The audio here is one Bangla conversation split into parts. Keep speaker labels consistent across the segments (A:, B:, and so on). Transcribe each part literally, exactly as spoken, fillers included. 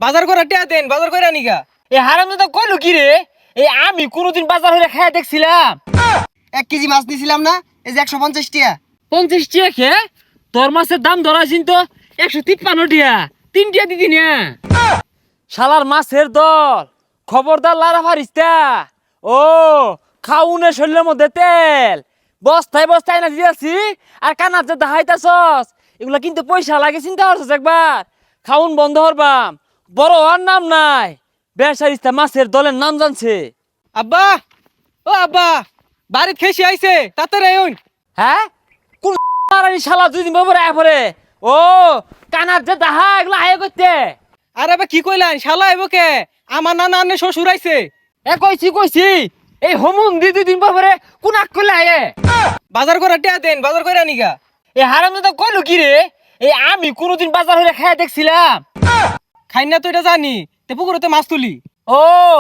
A: বাজার করে টিয়া দেন, বাজার করে আনিগা।
B: এ হারামজাদা কইলো কি রে? এই আমি কোনোদিন বাজার হইলে খাইয়া দেখছিলাম
C: এক কেজি মাছ দিছিলাম না, এই যে একশো পঞ্চাশ টিয়া।
B: পঞ্চাশ টিয়া খে তোর মাছের দাম ধরাছিন তো একশো তিপ্পান্ন টিয়া, তিন টিয়া দিদি না শালার মাছের দল। খবরদার লারা ফারিস্তা। ও খাউনে শরীরের মধ্যে তেল বস্তায় বস্তায় না দিয়েছি, আর কানার যে দাহাইতাছস এগুলা কিন্তু পয়সা লাগে, চিন্তা করছস একবার? খাউন বন্ধ হরবাম, বড় হওয়ার নাম নাই। বেসারিস্তা মাছের দলের নাম জানছে।
A: আব্বা, ও আব্বা, বাড়িত খেসি আইছে, তাড়াতাড়ি আইন।
B: হ্যাঁ কোন শালা দুই দিন পরে আয় পরে। ও কানার যে দাহা এগুলো আয় করতে।
A: আরে আবার কি কইলেন, শালা আইব কে? আমার নানা আন্নে শ্বশুর আইছে।
B: এ কইছি কইছি এই হোমুন দি দুই দিন পরে কোন আক করলে আয়ে।
A: বাজার করে টিয়া দেন, বাজার করে আনিগা।
B: এ হারামজাদা কইলো কি রে? এই আমি কোনোদিন বাজার হইলে খাইয়া দেখছিলাম।
A: খাই না তো এটা জানি, তে পুকুরতে মাছ তুলি।
B: ও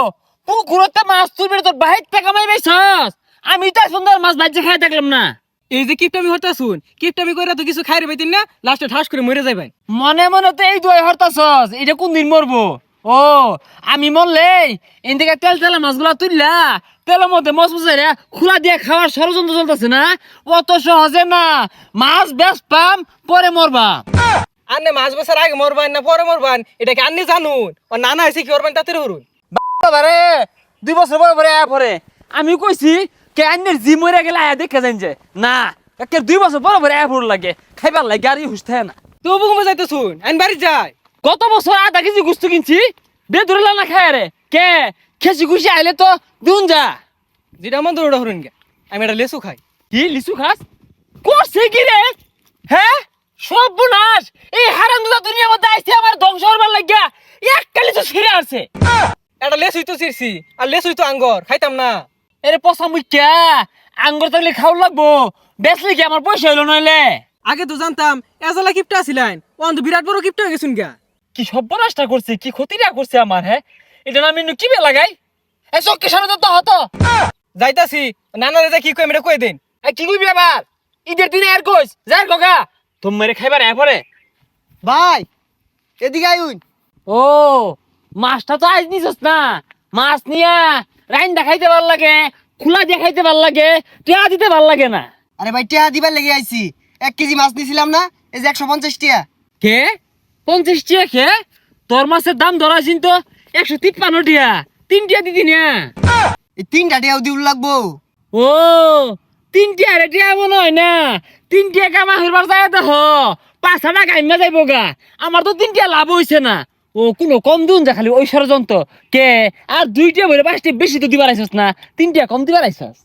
B: পুকুরতে মাছ তুলবি তোর বাহির টাকা মাই পাইছস? আমি তো সুন্দর মাছ বাজে খাইয়া দেখলাম না।
A: এই যে কিপটামি হতা শুন, কিপটামি কইরা তো কিছু খাইরে পাইতেন না, লাস্টে ঠাস করে মরে যাবেন।
B: মনে মনে তো এই দুই হরতাছস, এটা কোন দিন মরবো? ও আমি মরলে এদিকে তেল তেলা মাছগুলা তুললা তেলের মধ্যে মশ মশাইরা খোলা দিয়ে খাওয়ার ষড়যন্ত্র চলতেছে না? অত সহজে না, মাছ বেশ পাম পরে মরবা।
A: আন্নে মাছ বেচার আগে মরবান না পরে মরবান, এটা কি আন্নে জানুন? ও নানা হয়েছে কি করবেন তাতে হরুন।
B: বাবারে দুই বছর পরে পরে আয়া পরে আমি কইছি কে আন্নের জি মরে গেলে আয়া দেখে যাইন যে না, একে দুই বছর পরে পরে আয়া পড় লাগে, খাইবার লাগে আর হুশ থাকে না।
A: তো বুকুমে যাইতে শুন, আইন বাড়ি যায়।
B: গত বছর আধা কেজি গুস্তু কিনছি, বে ধরে না খায় রে কে খেসি খুশি আইলে তো দুন যা।
A: যেটা মন দৌড়া হরুন গে, আমি একটা লেসু খাই।
B: কি লিচু খাস? করছে কি রে? হ্যাঁ সব বুনাস এই হারামজাদা দুনিয়ার মধ্যে আইছে আমার ধ্বংস হবার লাগিয়া একটা লিচু ছিঁড়ে আসছে।
A: একটা লেসুই তো চিরছি, আর লেসুই তো আঙ্গর খাইতাম না।
B: এরে পচা মুখ্যা আঙ্গুর থাকলে খাওয়া লাগবো, বেচলে কি আমার পয়সা হইলো নইলে?
A: আগে তো জানতাম এজলা কিপটা আছিলেন, ও তো বিরাট বড় কিপটা হয়ে গেছুন গা।
B: কি সর্বনাশটা করছে, কি ক্ষতিটা করছে আমার। হ্যাঁ এটা না আমি কি বে লাগাই? এ চক্কি সামনে তো হতো
A: যাইতাছি, নানারে যা কি কই এটা কই দেন।
B: কি কইবি আবার? ঈদের দিনে আর কইস যাই গগা তুমি মেরে খাইবার এ পরে।
C: ভাই এদিকে আইন।
B: ও মাছটা তো আজ নিছস না, মাছ নিয়া রাইন দেখাইতে ভাল লাগে, খোলা দেখাইতে ভাল লাগে, টিয়া দিতে ভাল লাগে না।
C: আরে ভাই টিয়া দিবার লেগে আইছি, এক কেজি মাছ দিছিলাম না, এই যে একশো পঞ্চাশ টিয়া।
B: কে পঞ্চাশ টিয়া খে তোর মাছের দাম ধরাছিন তো একশো তিপ্পান্ন টিয়া, তিন টিয়া দিদি না।
C: এই তিনটা টিয়াও দিউল লাগবো।
B: ও তিন টিয়া রে টিয়া মনে হয় না, তিন টিয়া কামা হইবার যায় তো হ পাঁচ টাকা গাইমা যাইব গা। আমার তো তিন টিয়া লাভ হইছে না। ও কোনো কম দিন যা খালি ওই ষড়যন্ত্র কে আর দুইটা বলে পাঁচটা বেশি তো দিবার আইসস না, তিনটা কম দিবার আইসস।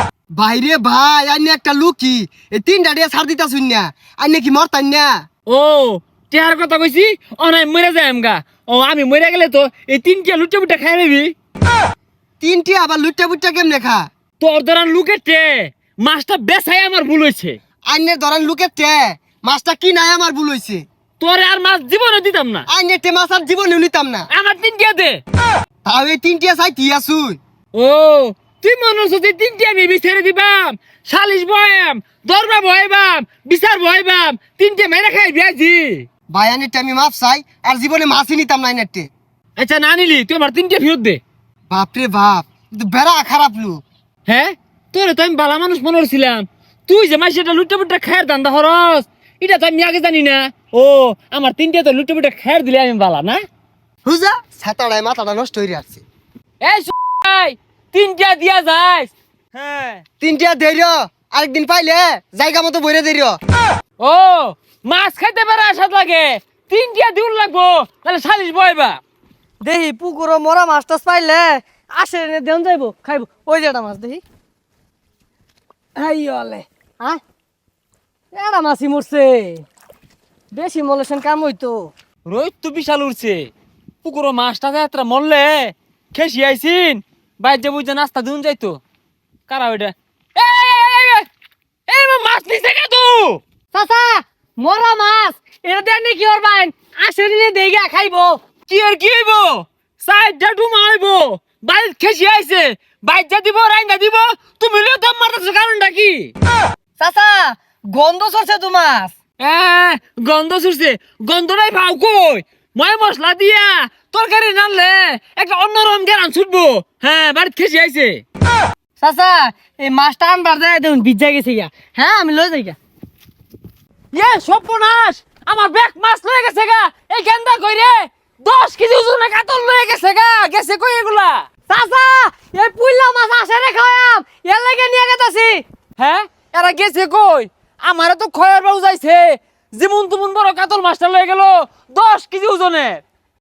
C: ভাইরে ভাই আইনে একটা লুকি, এই তিনটা টিয়া ছাড় দিতা শুন না, আইনে কি মরতান না?
B: ও টিয়ার কথা কইছি অনাই মরে যায় আমগা। ও আমি মরে গেলে তো এই তিনটা লুটে বুটে খাই নিবি।
C: তিন টিয়া আবার লুটটা বুটটা কেমনে খা?
B: তোর ধরান লুকের টে মাছটা বেচাই আমার ভুল হয়েছে।
C: আইনের ধরেন লুকের টে মাছটা কি নাই আমার ভুল হইছে।
B: তোরে আর মাছ জীবনে দিতাম না,
C: আইনের টে মাছ আর জীবনেও নিতাম না।
B: আমার তিনটা দে।
C: তাও এই তিন টিয়া চাই টিয়া শুন।
B: ও তুই মনে হচ্ছে যে তিনটে আমি বিচারে দিবাম, সালিশ বয়াম, দরবা বয়াবাম, বিচার বয়াবাম, তিনটে মেরে খাই বিয়াজি।
C: ভাই আইনের টে আমি মাছ চাই, আর জীবনে মাছই নিতাম না আইনের টে।
B: আচ্ছা না নিলি তুই আমার তিনটে ফেরত দে।
C: বাপরে বাপ, কিন্তু বেড়া খারাপ লোক।
B: হ্যাঁ তোরে তো আমি বালা মানুষ মনে করছিলাম, তুই যে মাসে এটা লুটে পুটে খায়ের দান্দা খরচ এটা তো আমি আগে জানি না। ও আমার তিনটে তো লুটে পুটে খায়ের দিলে আমি বালা না।
C: হুজা ছাতাড়ায় মাথাটা নষ্ট হয়ে আসছে।
B: এই সুই তিনটা দিয়া যাস। হ্যাঁ
C: তিন টিয়া দেরিও আরেকদিন পাইলে জায়গা মতো বইরে দেরিও।
B: ও মাছ খাইতে পারে আসাদ লাগে, তিনটা দিউল লাগবো তাহলে সালিশ বয়বা।
D: দেহি পুকুর মরা মাছ টাছ পাইলে আসে এনে দেন যাইব খাইব। ওই যে একটা মাছ দেখি, আইলে হ্যাঁ এটা মাছই মরছে, বেশি মলেছেন কাম হইতো।
B: রোহিত তো বিশাল উঠছে, পুকুরো মাছটা যাত্রা মরলে খেসি আইসিন বাইর যে বুঝে নাস্তা দিন যাইতো। কারা ওইটা? এই মাছ নিছে কে তু?
D: চাচা মরা মাছ এটা দেন কি করবেন? আসে নিলে দেইগা খাইব।
B: কি আর কি হইব? সাইডটা ডুমা হইব, বাইর খেসি আইছে, বাইর যা দিব রাইন্দা দিব, তুমি লিও দাম মারতেছো কারণটা কি?
D: চাচা গন্ধ সরছে তো মাছ।
B: হ্যাঁ গন্ধ ছুটছে, গন্ধটাই ভাও কই ময় মশলা দিয়া তরকারি রানলে একটা অন্যরকম গেরান ছুটবো। হ্যাঁ বাড়িতে খেসি আইছে।
D: চাচা এই মাছটা আনবার যায় দেখুন ভিজা গেছে গা। হ্যাঁ আমি লই যাই গা।
B: ইয়ে সর্বনাশ, আমার ব্যাগ মাছ লয়ে গেছে গা। এই গেন্দা কই রে, দশ কেজি ওজনে কাতল লয়ে গেছে গা। গেছে কই এগুলা?
D: চাচা এই পুইলা মাছ আসে রে খাওয়াম এর লাগে নিয়ে গেতাছি।
B: হ্যাঁ এরা গেছে কই? আমারে তো খয়ার বাবু যাইছে, যেমন তেমন বড় কাতল মাছটা লয়ে গেল দশ কেজি ওজনের।